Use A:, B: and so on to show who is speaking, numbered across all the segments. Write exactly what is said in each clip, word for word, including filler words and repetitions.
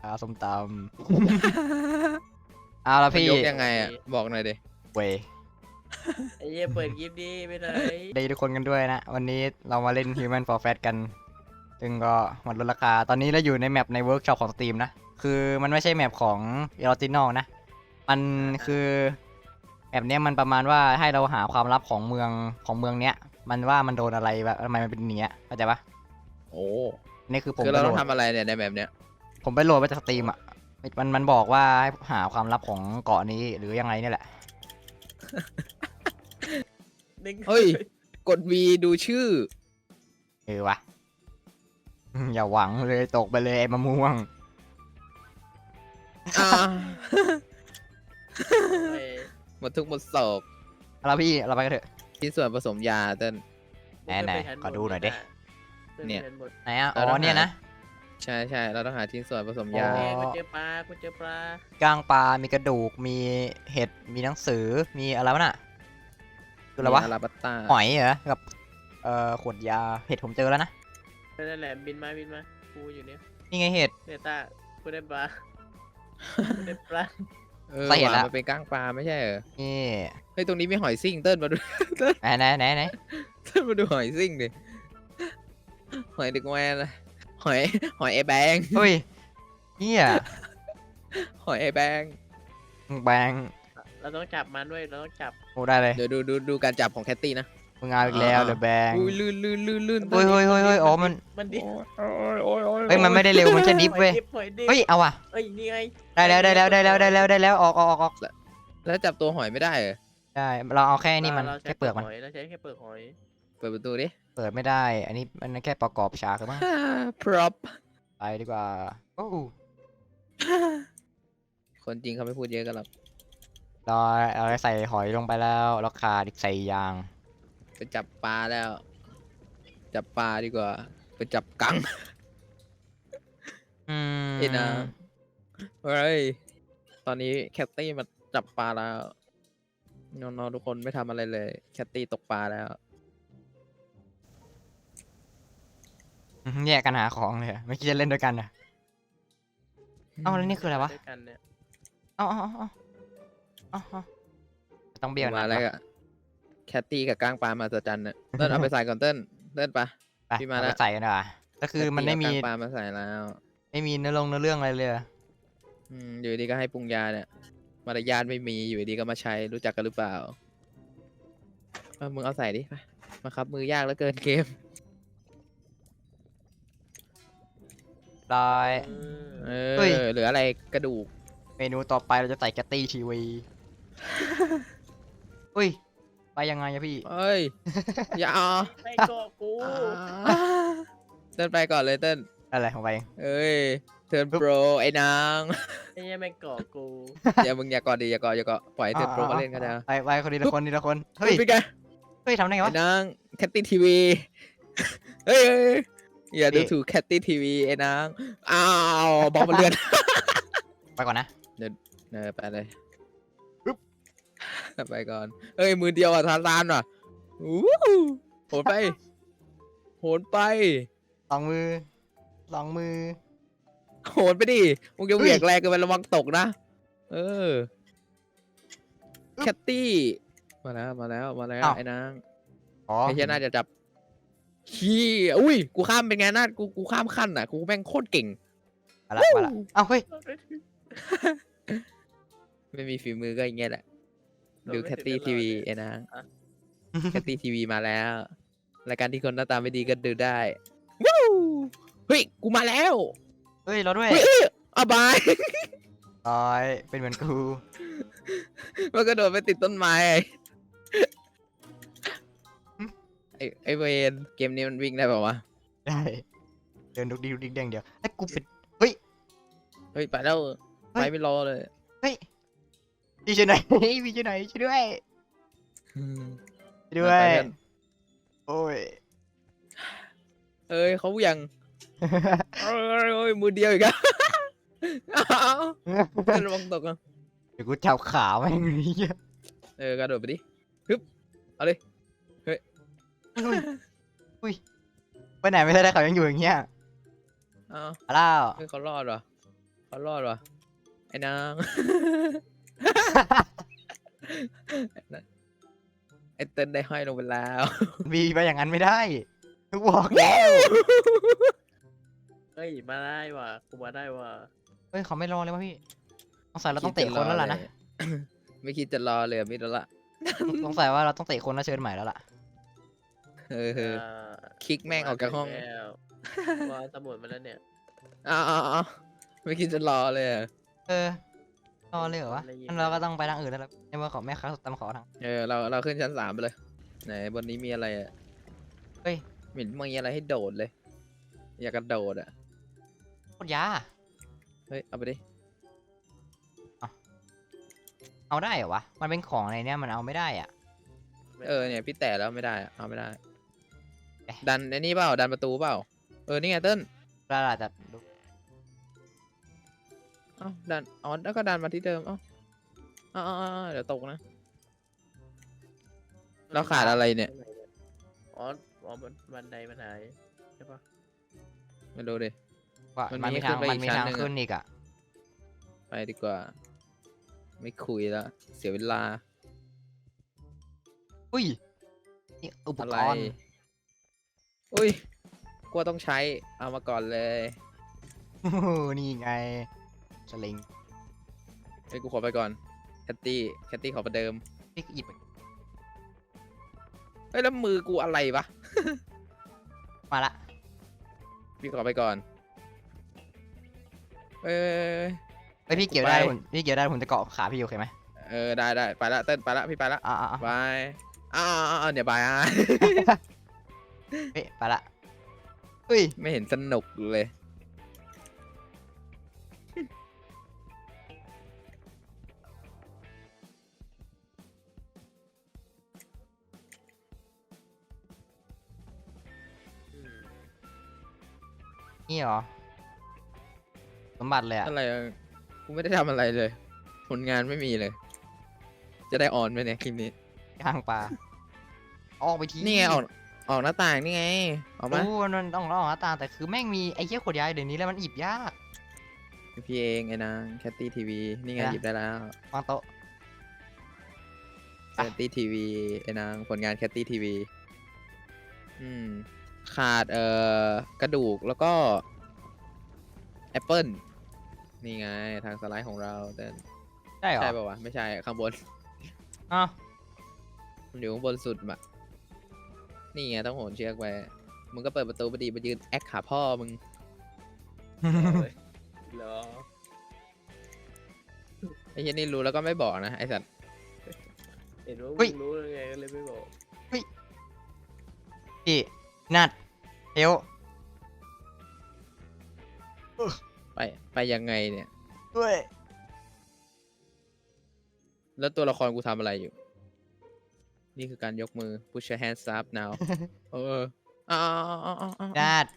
A: อาส้มตำ เอาละพี่
B: ยกยังไงอ่ะบอกหน่อยดิ
A: เว้ย
C: ไอ้เหี้ยเปิดคลิปดีไปไหน
A: ดีทุกคนกันด้วยนะ วันนี้เรามาเล่น Human for Fat กัน ซึ่งก็มันลดราคา ตอนนี้เราอยู่ในแมปในเวิร์กช็อปของ Steam นะ คือมันไม่ใช่แมปของ e r o t i n a l นะ มันคือแมปเนี้ยมันประมาณว่าให้เราหาความลับของเมืองของเมืองเนี้ย มันว่ามันโดนอะไรแบบทำไมมันเป็นอย่างเนี้ยเข้าใจปะ
B: โอ้
A: นี่คือผม
B: คือ
A: ไป
B: เรา
A: โหล
B: ต้อง
A: ด
B: ทำอะไรเนี่ยในแบบเนี้ย
A: ผมไปโหลดมาจากสตรีมอ่ะ มันมันบอกว่าให้หาความลับของเกาะนี้หรือยังไงเนี่ยแหละ
B: เฮ้ยกด V ดูชื่อ
A: เออวะ อย่าหวังเลยตกไปเลยไอ้มะม่วง
B: อ่า
C: เฮ้ย
B: หมดทุกข์หมดโศก
A: เอาละพี่เราไปกันเถอะ
B: ที่ส่วนผสมยาเต้น
A: ไหนไหนขอดูหน่อยดิ
B: เนี่ย
A: ไหนอ่ะ
B: เรา
A: อ๋
B: ต้
A: อ
B: องหา
A: เนี่ยนะ
B: ใช่ใช่เราต้องหาชิ้นส่วนผสม
A: อ๋
B: ยา
A: อ
C: เฮ้ยกูเจอปลากูเจอปลา
A: ก้างปลา มีกระดูก มีเห็ด มีหนังสือ มีอะไรวะน่ะคืออะไรวะ
B: มีอาราบัตตา
A: หอยเหรอ กับ เอ่อ ขวดยา เห็ดผมเจอแล้วนะ
C: นั่นแหละบินมาบินมากูอยู่เนี่ย
A: นี่ไงเห็ด
C: เนต้ากูได้ปลากูได้ปลา
B: เออ
A: ใส่เห็ด
B: ว่ะ
A: ละ
B: มันเป็นก้างปลาไม่ใช่เหรอ
A: นี่
B: เฮ้ยตรงนี้มีหอยซิ่งเต้นมาดู
A: ไหนไหนไหนไหน
B: เต้นมาดูหอยซิ่งดิหอยดึกแวนอะหอยหอยไอแบง
A: เฮ้ยเนี่ย
B: หอยไอแบง
A: แบง
C: เราต้องจับมันด้วยเราต้องจับ
A: โอ้ได้เลย
B: เดี๋ยวดูดูดูการจับของแคตตี้นะ
A: มึงเอาอีกแล้วเดอะแบง
B: อุ้ยลื่นลื่นลื่นลื่น
A: เฮ้ยเฮ้ยเฮ้ยเฮ้ยอ๋อมัน
C: มันดิ
B: โอ้ยโอ้ยโอ้ย
A: เฮ้ยมันไม่ได้เร็วมันแค่ดิฟเว้ย
C: หอยดิบ
A: เฮ้ยเอาว่ะ
C: เอ้ยนี่ไง
A: ได้แล้วได้แล้วได้แล้วได้แล้วได้แล้วออกออกออกออก
B: แล้วจับตัวหอยไม่ได้เหรอ
A: ได้เราเอาแค่นี่มัน
C: ราใช้
A: แค่เปลือกมัน
C: หอยเราใช้แค่เปลือกหอย
B: เปิดประตูดิ
A: เปิดไม่ได้ อันนี้มันแค่ประกอบฉากหรือมั้ง
B: พร็อพ
A: ไปดีกว่าโอ้
B: คนจริงเขาไม่พูดเยอะกันหรอก
A: เราเราใส่หอยลงไปแล้วแล้วขาดอีกใส่ยาง
B: ไปจับปลาแล้ว จับปลาดีกว่าไปจับกัง
A: อืม
B: ไอ้นะเฮ้ยตอนนี้แคตตี้มาจับปลาแล้วน้องๆทุกคนไม่ทำอะไรเลยแคตตี้ตกปลาแล้ว
A: แยกกันหาของเลยอะไม่คิดจะเล่นด้วยกันนะเอ้าแล้วนี่คืออะไรวะ
C: ด้วยกันเนี่ย
A: เอ้าเอ้าเอ้าเอ้าเอ้าเอ้าต้องเบี้ยว
B: มา
A: นะ
B: แล้วอะแคตตี้กับก้างปลามาสจันเนี่ยเต้นเอาไปใส่ก่อนเต้นเต้นปะ
A: ไป
B: พี่มา
A: เอา
B: แล้
A: ไป
B: ว
A: ใส่กันดีกว่าก็คือมันไม่มี
B: แคตตี้เอาก้างปลามาใส่แล้ว
A: ไม่มีเนื้อลงเนื้อเรื่องอะไรเลยอะ
B: อืมอยู่ดีก็ให้ปรุงยาเนี่ยมารยาทไม่มีอยู่ดีก็มาใช้รู้จักกันหรือเปล่าเอามึงเอาใส่ดิไปมาครับมือยากเหลือเกินเกม
A: ได้
C: เออ
B: เอ
A: เฮ้ย
B: อเหลืออะไรกระดูก
A: เมนูต่อไปเราจะใส่แกตตี้ทีวี อุ้ยไปยังไงอะพี่
B: เอ้ย อย่าเอา
C: ไม่ก็กู
B: เต้นไปก่อนเลยเต้น
A: อะไรของไปเอง
B: เอ้ยเทิร์นโปรไอ้นาง
C: ไอ้เหี้ยังไม่เกาะกู
B: อย่ามึงอย่ากอดดิอย่ากอดอย่ากอดปล่อยให้เทิร์นโปรมาเล่นก็ได้
A: ไปไปคนทีละคนทีละคนเฮ้ย
B: เป็นไง
A: เฮ้ยทำได้ไง
B: ไอ้
A: วะ
B: นางแคตตี้ทีวีเฮ้ยเฮ้ยเฮ้ยอย่าดู
A: นี่
B: ถูกแคตตี้ทีวีไอ้นางอ้าวบอกมันเลือน
A: ไปก่อนนะ
B: เออไปเลยไปก่อนเอ้ยมือเดียวอ่ะทานทานว่ะอู้หูโหนไปโหนไป
A: สองมือสองมือ
B: โหนไปดิมึงจะเหวี่ยงแรงเกินไประวังตกนะ เออ แคตตี้ มาแล้ว มาแล้ว มาแล้ว
A: อ้าว
B: ไอ้นาง
A: อ๋อ
B: ไอ้เชี่ยน่าจะจับขี้อุ้ย กูข้ามเป็นไงนาดกู กูข้ามขั้นอ่ะ กูแม่งโคตรเก่ง
A: มาละมาละเอ้าเฮ้ย
B: ไม่มีฝีมือก็อย่างเงี้ยแหละ ดูแคตตี้ทีวีไอ้นาง แคตตี้ทีวีมาแล้ว รายการที่คนหน้าตาไม่ดีก็ดูได้ วู้เฮ้ย กูมาแล้ว
A: เฮ้ยเราด้วย
B: เฮ้ยเอ้ยอาบาย
A: ร้อยเป็นเหมือนกู
B: มันก็โดดไปติดต้นไม้ไอ้ไอ้เวนเกมนี้มันวิ่งได้เปล่าวะ
A: ได้เดินดุกดิกดุกดิกแดงเดียวไอ้ยกูเป็น
B: เฮ้ยไปแล้วไปไม่รอเลย
A: เฮ้ยพี่ช่วยหน่อย พี่ช่วยหน่อยช่วยด้วยช่วยด้ว
B: ไป
A: ย
B: เพื่อน
A: โอ้ย
B: เอ้ยเขายังเอ้ยเอ้ยมือเดียวอีกอะอ้าวเพื่อนระวังตกอ่ะ
A: เดี๋ยวกูจับขาแม่งเลยเหี้ย
B: เออกระโดดไปดิฮึบเอาเลย
A: อุ้ยอุ้ยไปไหนไม่ได้เขายังอยู่อย่างเงี้ย
B: อ้าว
A: มาแล้ว
B: เพื่อนเขารอดเหรอเขารอดวะไอ้นาง ไอ้เติ้ลได้ห้อยลงไปแล้ว
A: บีไปอย่างนั้นไม่ได้ทุกบอกแล้ว
C: เฮ้ยมาได้ว่ะกูมาได้ว่ะ
A: เฮ้ยเขาไม่รอเลยวะพี่สงสัยเราต้องเตะคนแล้วล่ะนะ
B: ไม่คิดจะรอเลยอะมิดแล้วละ
A: สงสัยว่าเราต้องเตะคนแล้วเชิญใหม่แล้วล่ะ
B: เออ
C: อ่า
B: คิกแม่งออกจากห้อง
C: แล้วว่าสมุดมาแล้วเนี่ย
B: อ้าวอ้าวอ้าวไม่คิดจะรอเลยอะ
A: เออรอเลยเหรอวะงั้นเราก็ต้องไปทางอื่นแล้วล่ะในเมื่อเขาแม่ค้าตามขอทาง
B: เออเราเราขึ้นชั้นสามไปเลยไหนบนนี้มีอะไรอะ
A: เฮ้ย
B: เหม็นมีอะไรให้โดดเลย อยากกระโดดอะ
A: โคตรยา
B: เฮ้ยเอาไปดิ
A: เอาได้เหรอวะมันเป็นของในเนี้ยมันเอาไม่ได้อ่ะ
B: เออเนี่ยพี่แต่แล้วไม่ได้อะเอาไม่ได้
A: เอ๊ะ
B: ดันไอ้นี่เปล่าดันประตูเปล่าเออนี่ไงเติ้ล
A: เราอาจจะดู
B: เอ้าดันอ๋อแล้วก็ดันมาที่เดิมเอ้าเอ้าเอ้าเอ้าเอ้าเดี๋ยวตกนะ เราขาดอะไรเนี่ย
C: อ๋ออ๋อมันบันไดมันหายใช่ปะ
B: มาดูดิ
A: ว่า
B: มัน
A: มัน
B: มี
A: มีทาง
B: ขึ้นไป
A: มันมี
B: อีกชั้น
A: ทาง
B: หนึ่งอะ
A: ขึ้นอีกอ่ะ
B: ไปดีกว่า ไม่คุยแล้วเสียเวลา
A: อุ้ยนี่อุป
B: อะ
A: ก
B: ไร
A: รณ์
B: อุ้ยกลัวต้องใช้เอามาก่อนเลย
A: โอ้โหนี่ไงสลิง
B: เฮ้ยกูขอไปก่อนแคตตี้แคตตี้ขอประเดิม
A: พี่หยิบ
B: เฮ้ยแล้วมือกูอะไรวะ
A: มาละ
B: พี่ขอไปก่อนเอ้ย
A: เฮ้ยพี่เกี่ยวได้
B: ไป
A: ผมพี่เกี่ยวได้ผมจะเกาะขาพี่โอเคไหม
B: เออได้ได้ไปละเต้นไปละพี่ไปละ
A: อ่าอ่า
B: บายอ้าวอ้าวอ้าวเดี๋ยวบายอ่ะ
A: เฮ้ยไปละเฮ้ย
B: ไม่เห็นสนุกเลย
C: อืม
A: นี่เหรอสมบัติเลยอ่ะ
B: อะไรอะกูไม่ได้ทำอะไรเลย ผลงานไม่มีเลย จะได้ออนไหมเนี่ยคลิปนี้
A: ย่างปลาออกไปที
B: นี่ไงออกออกหน้าต่างนี่ไงออกมา
A: โอ้มันต้องออกหน้าต่างแต่คือแม่งมีไอ้เหี้ยขวดยาเดี๋ยวนี้แล้วมันหยิบยาก
B: พี่เองไอ้นางแคตตี้ทีวีนี่ไง
A: นะ
B: หยิบได้แล้ว
A: วางโต๊ะ
B: แคตตี้ทีวีไอ้นางผลงานแคตตี้ทีวีอืมขาดเอ่อกระดูกแล้วก็แอปเปิลนี่ไงทางสไลด์ของเราเต้น
A: ได้เหรอ
B: ใช่ป่าวะไม่ใช่ข้างบน
A: อ้าว
B: มันอยู่ข้างบนสุดมะนี่ไงต้องโหนเชือกไปมึงก็เปิดประตูพอดีมายืนแอคขาพ่อมึง
C: เอาเลยเหรอ
B: ไอ้เหี้ยนี่รู้แล้วก็ไม่บอกนะไอ้สัตว์
C: เห็นว่ามึงรู้ยังไงก็เลยไม่บอก
A: พี่นัดเฮล
B: ไปไปยังไงเนี่ย
A: ด้วย
B: แล้วตัวละครกูทำอะไรอยู่ นี่คือการยกมือ push your hands up now เอออ้าวอ้าวอ้าวอ้าวอ้าว
A: นัด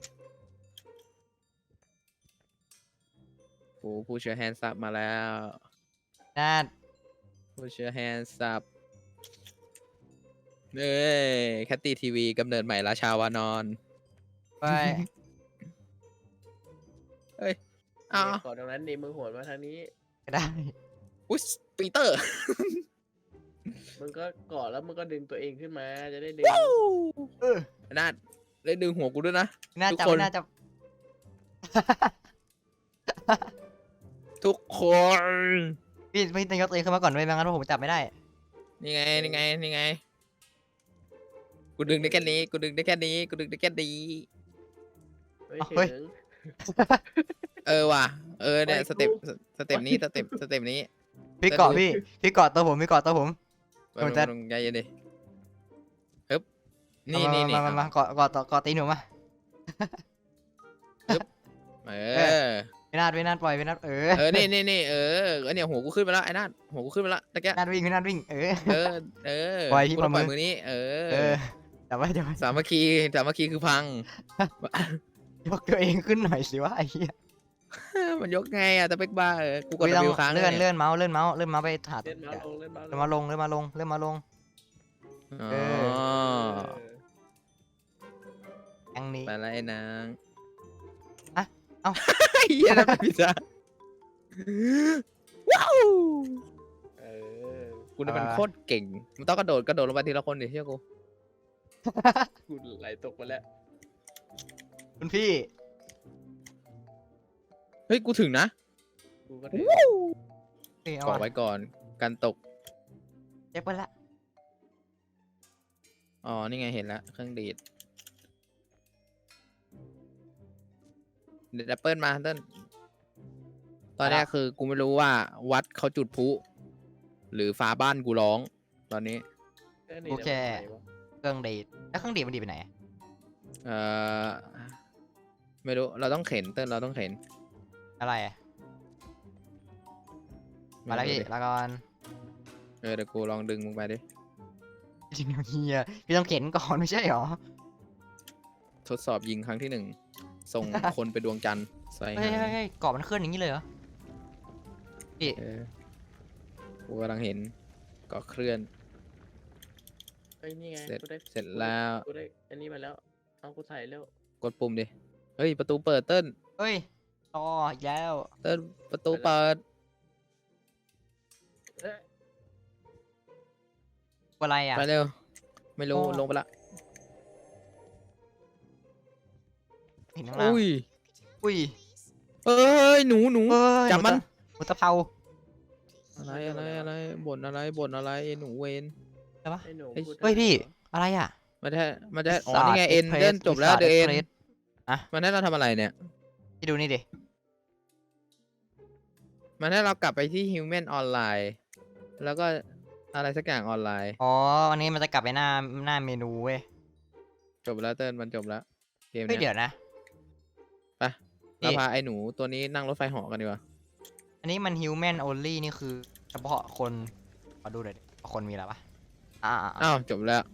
B: โอ้ push your hands up มาแล้ว
A: นัด
B: push your hands up เอ้ยแคตตี้ทีวีกำเนิดใหม่ราชาวานอน
A: ไป
B: เอ้ยอ้าว
C: ขอตรงนั้นดิมึงโหนมาทางนี้
A: ก็ได้
B: อุ๊ยปีเตอร์
C: มึงก็เกาะแล้วมึงก็ดึงตัวเองขึ้นมาจะได้ดึง
A: เออ
B: นาดได้ดึงหัวกูด้วยนะ
A: น่า
B: ทุก
A: จะ
B: คน
A: น่าจะ
B: ทุกคน
A: พี่พี่ต้องยกตัวเองขึ้นมาก่อนด้วยไม่งั้นผมจับไม่ได้
B: นี่ไง นี่ไง นี่ไง กูดึงได้แค่นี้ กูดึงได้แค่นี้ กูดึงได้แค่นี้
C: ไม่
A: เฮ้ย
C: ถึง
B: เออว่ะ เออเนี่ย
C: โอ้ย
B: สเต็ป
C: กู
B: สเต็ปนี้ สเต็ป สเต็ปนี้
A: พี่เกาะพี่พี่เกาะตัวผมพี่เกาะตัวผม ผมจะ
B: ลงใจเย็นดิฮึบนี่นี่นี่
A: มามามาเกาะเกาะต่อเกาะตีนหนูมา
B: เอ
A: เอ
B: อ
A: พี่นาดพี่นาดปล่อยพี่นาดเออ
B: เออ นี่นี่นี่เออเออเนี่ยหัวกูขึ้นมาแล้วไอ้นาดหัวกูขึ้นมาแล้วตะแกะ
A: นาดวิ่งพี่นาดวิ่งเออ
B: เออ เออ
A: ปล่อยพี่
B: กูต้อง
A: ป
B: ป
A: ล่
B: ล่
A: อ
B: อย ย
A: มื
B: มื
A: อ
B: อนี้ เอ
A: เอ
B: อ
A: อแต่ว่าจะ
B: สามัคคี สามัคคีคือพัง
A: ยกตัวเองขึ้นหน่อยสิว่าไอ้เหี้ย
B: มันยกไงอะแต่เป็กบ้าเออ กูกด
A: พี่ต้อง
B: วิวค้าง
A: เลื่อน
B: ย
A: เลื่อนเมาส์เลื่อนเมาส์เลื่อนเมาส์ไปถาด
C: เล่นมาลงเล่นมา
A: เลื่อนมาลงเลื่อนมาลงเลื่อนมาลง
B: อ๋อ
A: เอ
C: เออ
A: อย่างนี้
B: ไปแล้วไอ้นาง
A: อะเอ้า
B: เฮียนั่นเป็นพิซซ่าว้าว
C: เออ
B: กูเนี่ยมันโคตรเก่งมันต้องกระโดดกระโดดลงไปทีละคนดิเชื่อกู
C: กูไหลตกไปแล้ว
A: คุณพี่
B: เฮ้ยกูถึงนะ
C: กูก็ถึง
A: นี่เอา
B: เกาะ
A: วะ
B: ไว้ก่อนกันตก
A: เจ็บไปละ
B: อ๋อนี่ไงเห็นแล้วเครื่องดีดเด็ดแอปเปิลมาเต้นตอนเนี้ยคือกูไม่รู้ว่าวัดเขาจุดพลุหรือฟ้าบ้านกูร้อง ตอนนี้
C: เออนี่
A: กู
C: นะ
A: แค่
C: มันไหนวะ
A: เครื่องดีดแล้วเครื่องดีดมันดีดไปไหนอะ
B: เอ่อไม่รู้เราต้องเข็นเต้นเราต้องเข็น
A: อะไรอะมาแล้ว
B: ไรู้
A: พี่
B: ดิ
A: แล้วก่อน
B: เออเดี๋ยวกูลองดึงมึงไปดิ
A: จริงๆเฮียพี่ต้องเข็นก่อนไม่ใช่หรอ
B: ทดสอบยิงครั้งที่หนึ่งส่ง คนไปดวงจันทร์ใส่
A: เฮ้ย
B: หา
A: เฮ้ยเฮ้ยกรอบมันเคลื่อนอย่างนี้เลยเหรอพี่
B: เออกูกำลังเห็นก็เคลื่อน
C: เอ้ยนี่ไง
B: เสร็จ
C: กูได้
B: เสร็จแล้ว
C: กูได้อันนี้มาแล้วเอากูใส่แล้ว
B: กดปุ่มดิเฮ้ยประตูเปิดเต้น
A: เฮ้ยต่ออีกแล้ว
B: เต้นประตูเปิด
C: เอ้ย
A: อะไรอ่ะ
B: ไปเร็วไม่รู้
A: โอ้
B: ลงไปละ
A: เห็นข้างล่าง
B: อุ้ย
A: อุ้ย
B: เอ้ยหนูหนู
A: เอ้ย
B: จับมัน
A: หมูตะเภา
B: อะไรอะไรอะไรบ่นอะไรบ่นอะไรไอ้หนูเวน
A: ใช่ปะ
C: ไอ้หนู
B: เฮ้ย
C: พูด
A: เฮ้ย
C: ได้
A: พี่
C: เหรอ
A: อะไรอ่ะ
B: มันจะมันจะอ๋อ
A: ศาสตร์
B: นี่ไงเอ็น
A: Express
B: เล่นจบแล้ว
A: ศาสตร์
B: เดอะเอ็น
A: Express อะ
B: มันให้เราทำอะไรเนี่ย
A: พี่ดูนี่ดิ
B: มันให้เรากลับไปที่ Human Online แล้วก็อะไรสักอย่างออนไลน์
A: อ๋ออันนี้มันจะกลับไปหน้าหน้าเมนูเว้ย
B: จบแล้วเติ้ลมันจบแล้วเกม
A: เฮ้ย
B: เนี้
A: เดี๋
B: ย
A: ยวนะ
B: ไป
A: นี่
B: เราพาไอ้หนูตัวนี้นั่งรถไฟเหาะกันดีกว่า
A: อันนี้มัน human only นี่คือเฉพาะคนขอดูหน่อยดิคนมีอะไรปะอ่าอ่าอ่า
B: อ้าวจบแล้ว